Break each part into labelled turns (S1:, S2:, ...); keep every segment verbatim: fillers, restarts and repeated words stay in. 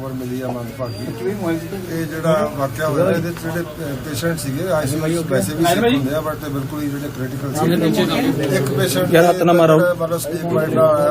S1: खबर मिली है मंदभागी ये जो वाकया होया ये पेशेंट से आईसीयू वैसे भी सिक होंगे बट बिल्कुल ही जो क्रिटिकल एक पेशेंट मतलब स्लीप पॉइंट आया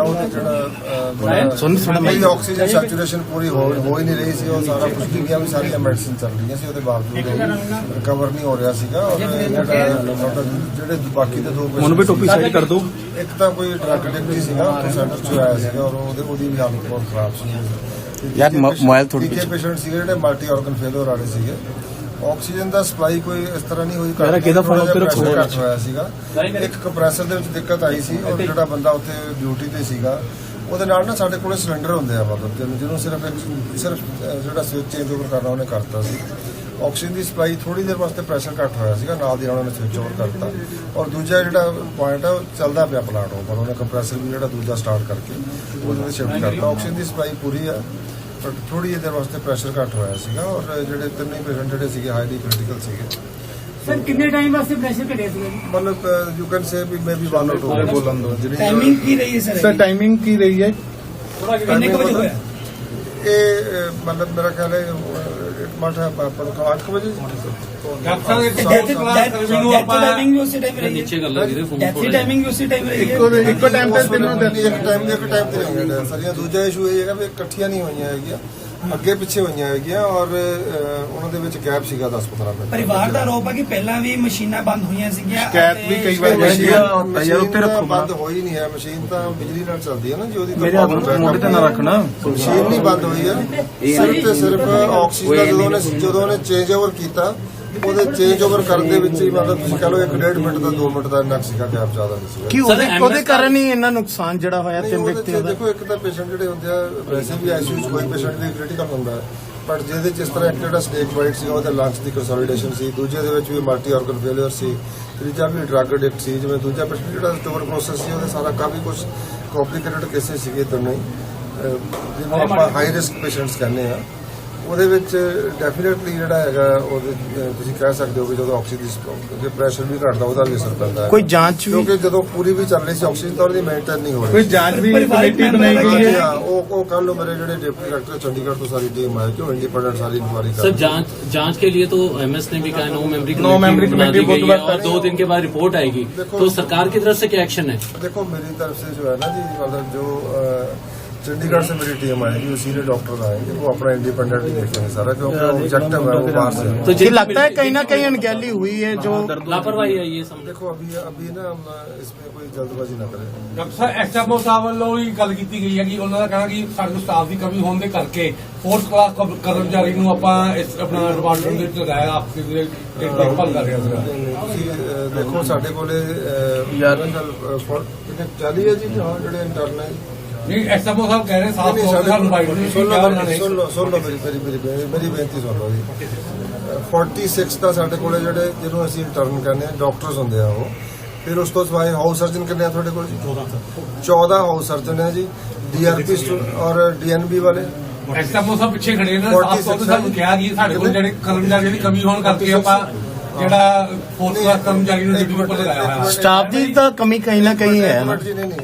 S1: वो ऑक्सीजन सैचुरेशन पूरी हो ही नहीं रही सी और सारा कुछ भी गया भी सारी मेडिसिन चल रही सी बावजूद रिकवर नहीं हो रहा सीगा और जो बाकी दे दो कर दो एक तो कोई ड्रग एडिक्ट सीगा सेंटर च आया सीगा और ਉਹਦੀ ਵੀ ਹਾਲਤ ਬਹੁਤ ਖਰਾਬ ਸੀ ਯਾਰ ਮੋਬਾਈਲ ਥੋੜੀ ਜਿਹੇ ਪੇਸ਼ੈਂਟ ਸੀਗੇ ਜਿਹੜੇ ਮਲਟੀ ਆਰਗਨ ਫੇਲਰ ਵਾਲੇ ਸੀਗੇ ਆਕਸੀਜਨ ਦਾ ਸਪਲਾਈ ਕੋਈ ਇਸ ਤਰ੍ਹਾਂ ਨਹੀਂ ਹੋਈ
S2: ਯਾਰ ਕਿਹਦਾ ਫੋਨ ਉੱਤੇ ਰੱਖੋ
S1: ਹੋਇਆ ਸੀਗਾ ਇੱਕ ਕੰਪਰੈਸਰ ਦੇ ਵਿੱਚ ਦਿੱਕਤ ਆਈ ਸੀ ਔਰ ਜਿਹੜਾ ਬੰਦਾ ਉੱਥੇ ਡਿਊਟੀ ਤੇ ਸੀਗਾ ਉਹਦੇ ਨਾਲ ਨਾ ਸਾਡੇ ਕੋਲੇ ਸਿਲੰਡਰ ਹੁੰਦੇ ਆ ਮਤਲਬ ਜਿਹਨੂੰ ਸਿਰਫ ਸਿਰਫ ਜਿਹੜਾ ਸਵਿਚ ਚੇਂਜ ਓਵਰ ਕਰਨਾ ਉਹਨੇ ਕਰਤਾ ਸੀ ਆਕਸੀਜਨ ਦੀ ਸਪਲਾਈ ਥੋੜੀ ਦੇਰ ਵਾਸਤੇ ਪ੍ਰੈਸ਼ਰ ਘੱਟ ਹੋਇਆ ਸੀਗਾ ਨਾਲ ਦੀ ਨਾਲ ਉਹਨੇ ਸਵਿਚ ਓਵਰ ਕਰਤਾ ਔਰ ਦੂਜਾ ਜਿਹੜਾ ਪੁਆਇੰਟ ਹੈ ਚੱਲਦਾ ਪਿਆ ਪਲਾਂਟ ਉਹ ਪਰ ਉਹਨੇ ਕੰਪਰੈਸਰ ਵੀ ਜਿਹੜਾ ਦੂਜਾ ਸਟਾਰਟ ਕਰਕੇ ਉਹਦੇ ਸ਼ਿਫਟ ਕਰਤਾ ਆਕਸੀਜਨ ਦੀ ਸਪਲਾਈ ਪੂਰੀ ਆ ਬਟ ਥੋੜੀ ਦੇਰ ਵਾਸਤੇ ਪ੍ਰੈਸ਼ਰ ਘੱਟ ਹੋਇਆ ਸੀਗਾ ਔਰ ਜਿਹੜੇ ਤਿੰਨੇ ਪੇਸ਼ੈਂਟ ਜਿਹੜੇ ਸੀਗੇ ਹਾਈਲੀ ਕ੍ਰਿਟੀਕਲ ਸੀਗੇ
S3: ਸਰ ਕਿੰਨੇ ਟਾਈਮ ਵਾਸਤੇ ਪ੍ਰੈਸ਼ਰ ਘਟਿਆ ਸੀਗਾ
S1: ਮਤਲਬ ਯੂ ਕੈਨ ਸੇ ਵੀ maybe one or two ਬੋਲਣ ਦੋ ਜਿਹੜੀ
S3: ਟਾਈਮਿੰਗ ਕੀ ਰਹੀ ਹੈ ਸਰ
S2: ਸਰ ਟਾਈਮਿੰਗ ਕੀ ਰਹੀ ਹੈ
S3: ਕਿੰਨੇ ਕੁ ਵਜੇ ਹੋਇਆ
S1: ਇਹ ਮਤਲਬ ਮੇਰਾ ਖਿਆਲ ਹੈ ਮਠ ਹੈ ਅੱਠ ਵਜੇ
S3: ਟਾਈਮਿੰਗ ਵੀ ਉਸੇ ਟਾਈਮ ਰਹੀ ਹੈ ਨੀਚੇ ਗੱਲ ਵੀਰੇ ਫੋਨ ਕੋਲ ਟਾਈਮਿੰਗ ਵੀ ਉਸੇ ਟਾਈਮ ਰਹੀ ਹੈ
S1: ਇੱਕੋ ਇੱਕੋ ਟਾਈਮ ਤੇ ਤਿੰਨੋਂ ਦਿਨ ਇੱਕ ਟਾਈਮ ਦੇ ਇੱਕ ਟਾਈਮ ਤੇ ਰਹੀਆਂ ਸਾਰੀਆਂ ਦੂਜਾ ਇਸ਼ੂ ਇਹ ਹੈਗਾ ਵੀ ਇਕੱਠੀਆਂ ਨਹੀਂ ਹੋਈਆਂ ਹੈਗੀਆਂ ਅੱਗੇ ਪਿੱਛੇ ਹੋਈਆਂ ਹੈਗੀਆਂ ਔਰ ਉਹਨਾਂ ਦੇ ਵਿੱਚ ਗੈਪ ਸੀਗਾ ਦਸ ਪੰਦਰਾਂ ਮਿੰਟ
S3: ਪਰਿਵਾਰ ਦਾ ਆਰੋਪ ਹੈ ਕਿ ਪਹਿਲਾਂ ਵੀ ਮਸ਼ੀਨਾਂ ਬੰਦ ਹੋਈਆਂ ਸੀਗੀਆਂ
S2: ਸ਼ਿਕਾਇਤ ਵੀ ਕਈ ਵਾਰ
S1: ਯਾਰ ਉੱਤੇ ਰੱਖੋ ਬੰਦ ਹੋਈ ਨਹੀਂ ਹੈ ਮਸ਼ੀਨ ਤਾਂ ਬਿਜਲੀ ਨਾਲ ਚੱਲਦੀ ਹੈ ਨਾ ਜੀ ਉਹਦੀ
S2: ਮੇਰੇ ਮੋਢੇ ਤੇ ਨਾ ਰੱਖਣਾ
S1: ਮਸ਼ੀਨ ਨਹੀਂ ਬੰਦ ਹੋਈ ਹੈ ਸਿਰਫ ਤੇ ਸਿਰਫ ਆਕਸੀਜਨ ਜਦੋਂ ਉਹਨੇ ਜਦੋਂ ਉਹਨੇ ਚੇਂਜ ਓਵਰ ਕੀਤਾ ਉਹਦੇ ਚੇਂਜ ਓਵਰ ਕਰਨ ਦੇ ਵਿੱਚ ਹੀ ਮਤਲਬ ਤੁਸੀਂ ਕਹ ਲਓ ਇੱਕ ਡੇਢ ਮਿੰਟ ਦਾ ਦੋ ਮਿੰਟ ਦਾ ਇੰਨਾ ਸੀਗਾ ਗੈਪ ਜ਼ਿਆਦਾ ਨਹੀਂ ਸੀਗਾ
S2: ਕੀ ਉਹਦੇ ਕਾਰਨ ਹੀ ਇੰਨਾ ਨੁਕਸਾਨ ਜਿਹੜਾ ਹੋਇਆ ਤਿੰਨ ਵਿਅਕਤੀਆਂ ਦਾ
S1: ਦੇਖੋ ਇੱਕ ਤਾਂ ਪੇਸ਼ੈਂਟ ਜਿਹੜੇ ਹੁੰਦੇ ਆ ਵੈਸੇ ਵੀ ਆਈਸੀਯੂ ਚ ਕੋਈ ਪੇਸ਼ੈਂਟ ਵੀ ਕ੍ਰਿਟੀਕਲ ਹੁੰਦਾ ਹੈ ਬਟ ਜਿਹਦੇ ਚ ਇਸ ਤਰ੍ਹਾਂ ਇੱਕ ਜਿਹੜਾ ਸਟੇਕ ਵਾਈਟ ਸੀਗਾ ਉਹਦੇ ਲੰਗਸ ਦੀ ਕੰਸੋਲੀਡੇਸ਼ਨ ਸੀ ਦੂਜੇ ਦੇ ਵਿੱਚ ਵੀ ਮਲਟੀ ਆਰਗਨ ਫੇਲਿਅਰ ਸੀ ਤੀਜਾ ਵੀ ਡਰੱਗ ਐਡਿਕਟ ਸੀ ਜਿਵੇਂ ਦੂਜਾ ਪੇਸ਼ੈਂਟ ਜਿਹੜਾ ਟਿਊਬਰਕਲੋਸਿਸ ਸੀ ਉਹਦੇ ਸਾਰਾ ਕਾਫੀ ਕੁਝ ਕੰਪਲਿਕੇਟਡ ਕੇਸਿਸ ਸੀਗੇ ਦੋਨੇ ਜਿਹਨੂੰ ਆਪਾਂ ਹਾਈ ਰਿਸਕ ਪੇਸ਼ੈਂਟਸ ਕਹਿੰਦੇ ਆ ਉਹਦੇ ਵਿੱਚ ਡੈਫੀਨੇਟਲੀ ਜਿਹੜਾ ਹੈਗਾ ਉਹਦੇ ਤੁਸੀਂ ਕਹਿ ਸਕਦੇ ਹੋ ਕਿ ਜਦੋਂ ਆਕਸੀਜਨ ਦੇ ਪ੍ਰੈਸ਼ਰ ਵੀ ਘਟਦਾ ਉਹਦਾ ਵੀ ਅਸਰ ਪੈਂਦਾ ਹੈ
S2: ਕੋਈ ਜਾਂਚ ਵੀ
S1: ਕਿਉਂਕਿ ਜਦੋਂ ਪੂਰੀ ਵੀ ਚੱਲ ਰਹੀ ਸੀ ਆਕਸੀਜਨ ਤਾਂ ਉਹਦੀ ਮੇਨਟੇਨ ਨਹੀਂ ਹੋ ਰਹੀ
S2: ਕੋਈ ਜਾਂਚ ਵੀ ਕਮੇਟੀ ਬਣਾਈ ਗਈ ਹੈ
S1: ਉਹ ਉਹ ਕੱਲ ਨੂੰ ਮੇਰੇ ਜਿਹੜੇ ਡਿਪਟੀ ਡਾਇਰੈਕਟਰ ਚੰਡੀਗੜ੍ਹ ਤੋਂ ਸਾਰੀ ਟੀਮ ਆਈ ਕਿ ਉਹ इंडिपेंडेंट सारी इंक्वायरी कर
S4: सर जांच जांच के लिए तो एमएस ने भी कहा नो मेमोरी
S2: नो मेमोरी कमेटी
S4: गई है और दो दिन के बाद रिपोर्ट आएगी तो सरकार की तरफ से क्या एक्शन है
S1: देखो मेरी तरफ से जो है ना जी मतलब जो चंडीगढ़ से मेरी टीम आएगी वो सीनियर डॉक्टर आएंगे वो अपना इंडिपेंडेंट देखेंगे सारा क्योंकि ऑब्जेक्टिव है वो बाहर से
S2: तो जी लगता है कहीं ना कहीं अनगहली हुई है जो
S4: लापरवाही है ये सब
S1: देखो अभी अभी ना हम इसमें कोई जल्दबाजी ना करें
S5: ਡਾਕਟਰ ਸਾਹਿਬ ਐਸਐਮਓ ਸਾਹਿਬ ਵੱਲੋਂ ਹੀ ਗੱਲ ਕੀਤੀ ਗਈ ਹੈ ਕਿ ਉਹਨਾਂ ਦਾ ਕਹਿਣਾ ਕਿ ਸਾਡੇ ਸਟਾਫ ਦੀ ਕਮੀ ਹੋਣ ਦੇ ਕਰਕੇ ਫੋਰਥ ਕਲਾਸ ਕਰਮਚਾਰੀ ਨੂੰ ਆਪਾਂ ਇਸ ਆਪਣਾ ਡਿਪਾਰਟਮੈਂਟ ਦੇ ਵਿੱਚ ਲਗਾਇਆ ਆਪਕੇ ਦੇ ਦੇਖਭਾਲ ਕਰ ਰਿਹਾ ਸੀਗਾ
S1: ਦੇਖੋ ਸਾਡੇ ਕੋਲੇ ਯਾਰ ਚਾਲੀ ਹੈ ਜੀ ਹਾਂ ਜਿਹੜੇ ਇੰਟਰਨ ਹੈ
S5: ਨਹੀਂ ਐਸਐਮਓ ਸਾਹਿਬ ਕਹਿ ਰਹੇ ਸਾਫ ਤੌਰ ਤੇ ਸਾਨੂੰ ਬਾਈਟ ਨਹੀਂ
S1: ਸੁਣ ਲਓ ਸੁਣ ਲਓ ਸੁਣ ਲਓ ਮੇਰੀ ਮੇਰੀ ਮੇਰੀ ਬੇਨਤੀ ਸੁਣ ਲਓ ਜੀ छियालीस ਦਾ ਸਾਡੇ ਕੋਲੇ ਜਿਹੜੇ ਜਿਹਨੂੰ ਅਸੀਂ ਇੰਟਰਨ ਕਹਿੰਦੇ ਆ ਡਾਕਟਰਸ ਹੁੰਦੇ ਆ ਉਹ ਫਿਰ ਉਸ ਤੋਂ ਸਿਵਾਏ ਹਾਊਸ ਸਰਜਨ ਕਿੰਨੇ ਆ ਤੁਹਾਡੇ ਕੋਲ ਜੀ ਚੌਦਾਂ ਹਾਊਸ ਸਰਜਨ ਹੈ ਜੀ ਡੀਆਰਪੀ ਔਰ ਡੀਐਨਬੀ ਵਾਲੇ
S5: ਐਸਐਮਓ ਸਾਹਿਬ ਪਿੱਛੇ ਖੜੇ ਨੇ ਸਾਫ ਤੌਰ ਤੇ ਸਾਨੂੰ ਕਿਹਾ ਕਿ ਸਾਡੇ ਕੋਲ ਜਿਹੜੇ ਕਰਮਚਾਰੀਆਂ ਦੀ ਕਮੀ ਹੋਣ ਕਰਕੇ ਆਪਾਂ ਜਿਹੜਾ ਫੋਰਥ ਕਲਾਸ ਕਰਮਚਾਰੀ ਨੂੰ ਡਿਊਟੀ ਉੱਪਰ ਲਗਾਇਆ ਹੋਇਆ
S2: स्टाफ की तो कमी कहीं ना कहीं है ना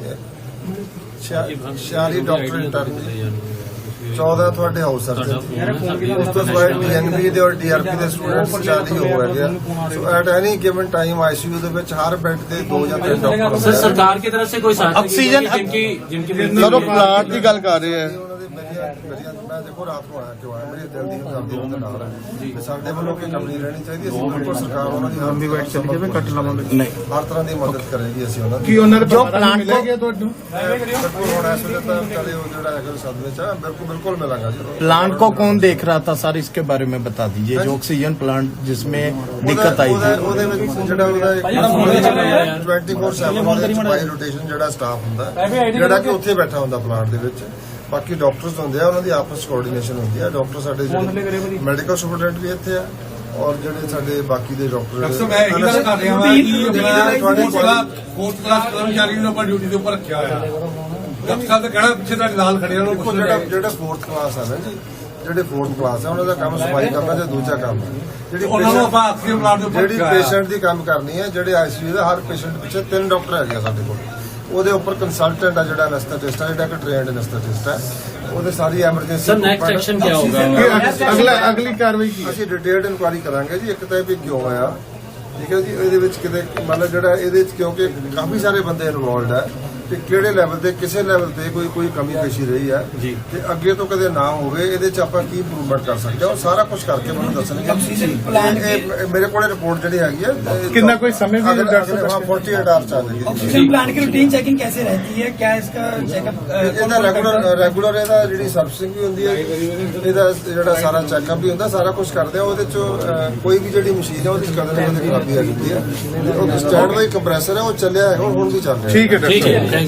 S1: छियालीस डॉक्टर इंटਰਨ चौदह ਤੁਹਾਡੇ ਹਾਊਸ ਸਰਜਨ ਉਸ ਤੋਂ ਬਾਅਦ ਡੀਐਨਬੀ ਦੇ ਔਰ ਡੀਆਰਪੀ ਦੇ ਸਟੂਡੈਂਟਸ ਚਾਲੀ ਹੋ ਗਏ so at any given time ICU ਦੇ ਵਿੱਚ ਹਰ ਬੈੱਡ ਤੇ ਦੋ ਜਾਂ ਤਿੰਨ ਡਾਕਟਰ
S4: सर सरकार की तरफ से कोई सहायता
S2: ऑक्सीजन
S4: जिनकी जिनकी
S2: चलो प्लांट की गल कर रहे हैं
S1: ਮੈਂ ਦੇਖੋ ਰਾਤ ਨੂੰ ਆਇਆ ਕਿਉਂ ਆਇਆ ਮੇਰੀ ਦਿਲ ਦੀ ਹਮਦਰਦੀ ਉਹਦੇ ਨਾਲ ਹੈ ਸਾਡੇ ਵੱਲੋਂ ਕੋਈ ਕਮੀ ਰਹਿਣੀ ਚਾਹੀਦੀ ਅਸੀਂ ਬਿਲਕੁਲ ਸਰਕਾਰ ਉਹਨਾਂ ਦੀ ਹਰ
S2: ਵੇਟ ਚੱਲ ਜਾਵੇ ਕੱਟ ਲਵਾਂਗੇ ਨਹੀਂ
S1: ਹਰ ਤਰ੍ਹਾਂ ਦੀ ਮਦਦ ਕਰੇਗੀ ਅਸੀਂ ਉਹਨਾਂ ਦੀ
S2: ਕੀ ਉਹਨਾਂ ਜੋ ਪਲਾਂਟ ਮਿਲ ਗਿਆ ਤੁਹਾਨੂੰ
S1: ਬਿਲਕੁਲ ਹੁਣ ਇਸ ਵੇਲੇ ਤਾਂ ਕਦੇ ਉਹ ਜਿਹੜਾ ਹੈਗਾ ਸਦਮੇ ਚ ਆ ਬਿਲਕੁਲ ਬਿਲकुल मिलांगा जी
S2: प्लांट को कौन देख रहा था सर इसके बारे में बता दीजिए जो ऑक्सीजन प्लांट जिसमें दिक्कत आई थी
S1: ਉਹਦੇ ਵਿੱਚ ਜਿਹੜਾ ਉਹਦਾ ਚੌਵੀ ਫੋਰ ਸੈਵਨ ਉਹਦੇ ਵਿੱਚ ਬਾਈ ਰੋਟੇਸ਼ਨ ਜਿਹੜਾ ਸਟਾਫ ਹੁੰਦਾ ਜਿਹੜਾ ਕਿ ਉੱਥੇ ਬੈਠਾ ਹੁੰਦਾ ਪਲਾਂਟ ਦੇ ਵਿੱਚ ਬਾਕੀ ਡਾਕਟਰਸ ਹੁੰਦੇ ਆ ਉਹਨਾਂ ਦੀ ਆਪਸ ਕੋਆਰਡੀਨੇਸ਼ਨ ਹੁੰਦੀ ਆ ਡਾਕਟਰ ਸਾਡੇ ਜਿਹੜੇ ਮੈਡੀਕਲ ਸੁਪਰਡੈਂਟ ਵੀ ਇੱਥੇ ਆ ਔਰ ਜਿਹੜੇ ਸਾਡੇ ਬਾਕੀ ਦੇ ਡਾਕਟਰ
S5: ਡਾਕਟਰ ਮੈਂ ਇਹ ਗੱਲ ਕਰ ਰਿਹਾ ਹਾਂ ਕਿ ਤੁਹਾਡੇ ਕੋਲ ਫੋਰਥ ਕਲਾਸ ਕਰਮਚਾਰੀ ਨੂੰ ਆਪਾਂ ਡਿਊਟੀ ਦੇ ਉੱਪਰ ਰੱਖਿਆ ਹੋਇਆ ਡਾਕਟਰ ਸਾਹਿਬ ਦਾ ਕਹਿਣਾ ਪਿੱਛੇ ਤੁਹਾਡੇ ਨਾਲ ਖੜੇ ਉਹਨਾਂ ਨੂੰ
S1: ਜਿਹੜਾ ਜਿਹੜਾ ਫੋਰਥ ਕਲਾਸ ਆ ਨਾ ਜੀ ਜਿਹੜੇ ਫੋਰਥ ਕਲਾਸ ਆ ਉਹਨਾਂ ਦਾ ਕੰਮ ਸਫਾਈ ਕਰਨਾ ਤੇ ਦੂਜਾ ਕੰਮ ਜਿਹੜੀ
S5: ਉਹਨਾਂ ਨੂੰ ਆਪਾਂ ਆਕਸੀਜਨ ਪਲਾਂਟ ਦੇ ਉੱਪਰ
S1: ਜਿਹੜੀ ਪੇਸ਼ੈਂਟ ਦੀ ਕੰਮ ਕਰਨੀ ਹੈ ਜਿਹੜੇ ਆਈਸੀਯੂ ਦਾ ਹਰ ਪੇਸ਼ੈਂਟ ਪਿੱਛੇ ਤਿੰਨ ਡਾਕਟਰ ਹੈਗੇ ਆ ਸਾਡੇ ਕੋਲ ਉਹਦੇ ਉੱਪਰ ਕੰਸਲਟੈਂਟ ਆ ਜਿਹੜਾ ਐਨਸਥੈਟਿਸਟ ਆ, ਜਿਹੜਾ ਕਿ ਟ੍ਰੇਨਡ ਐਨਸਥੈਟਿਸਟ ਹੈ, ਉਹਦੇ ਸਾਰੀ ਐਮਰਜੈਂਸੀ
S4: ਸਰ ਨੈਕਸਟ ਐਕਸ਼ਨ ਕੀ ਹੋਗਾ?
S2: ਅਗਲਾ ਅਗਲੀ ਕਾਰਵਾਈ ਕੀ ਹੈ?
S1: ਅਸੀਂ ਡਿਟੇਲਡ ਇਨਕੁਆਇਰੀ ਕਰਾਂਗੇ ਜੀ। ਇੱਕ ਤਾਂ ਇਹ ਵੀ ਕਿਉਂ ਆਇਆ, ਠੀਕ ਹੈ ਜੀ, ਇਹਦੇ ਵਿੱਚ ਕਿਤੇ ਮਤਲਬ ਜਿਹੜਾ ਇਹਦੇ ਵਿੱਚ ਕਿਉਂਕਿ ਕਾਫੀ ਸਾਰੇ ਬੰਦੇ ਇਨਵੋਲਡ ਹੈ ਤੇ ਕਿਹੜੇ ਲੈਵਲ ਤੇ ਕਿਸੇ ਲੈਵਲ ਤੇ ਕੋਈ ਕੋਈ ਕਮੀ ਪੇਸ਼ੀ ਰਹੀ ਹੈ
S4: ਜੀ।
S1: ਤੇ ਅੱਗੇ ਤੋਂ ਕਦੇ ਨਾ ਹੋਵੇ, ਇਹਦੇ ਚ ਆਪਾਂ ਕੀ ਇੰਪਰੂਵਮੈਂਟ ਕਰ ਸਕਦੇ ਹਾਂ ਉਹ ਸਾਰਾ ਕੁਝ ਕਰਕੇ ਮੈਨੂੰ ਦੱਸਣਗੇ। ਇਹ- ਇਹ ਮੇਰੇ ਕੋਲੇ ਰਿਪੋਰਟ ਜਿਹੜੀ ਹੈਗੀ ਹੈ ਇਹ-
S2: कितना कोई समय भी
S1: अगर-
S2: डॉक्टर
S1: अगर-
S2: साहब?
S1: हाँ, फोर्टी एट आवर्स आ जाएगी।
S3: ऑक्सीजन प्लांट की रूटीन चेकिंग कैसे रहती है? क्या इसका चेकअप
S1: ਇਹਦਾ ਰੈਗੂਲਰ ਰੈਗੂਲਰ ਇਹਦਾ ਜਿਹੜੀ ਸਰਵਿਸਿੰਗ ਵੀ ਹੁੰਦੀ ਹੈ, ਇਹਦਾ ਜਿਹੜਾ ਸਾਰਾ ਚੈੱਕਅਪ ਵੀ ਹੁੰਦਾ, ਸਾਰਾ ਕੁਝ ਕਰਦੇ ਆ। ਉਹਦੇ ਚੋਂ ਅਹ, ਕੋਈ ਵੀ ਜਿਹੜੀ ਮਸ਼ੀਨ ਹੈ ਉਹਦੀ ਕਦੇ ਨਾ ਕਦੇ ਖਰਾਬੀ ਆ ਜਾਂਦੀ ਹੈ। ਉਹ ਸਟੈਂਡ ਬਾਈ ਕੰਪਰੈਸਰ ਹੈ, ਉਹ ਚੱਲਿਆ ਹੈ, ਹੁਣ ਵੀ ਚੱਲ ਰਿਹਾ ਹੈ।
S2: ठीक है डॉक्टर
S4: ठीक है।
S2: साहब।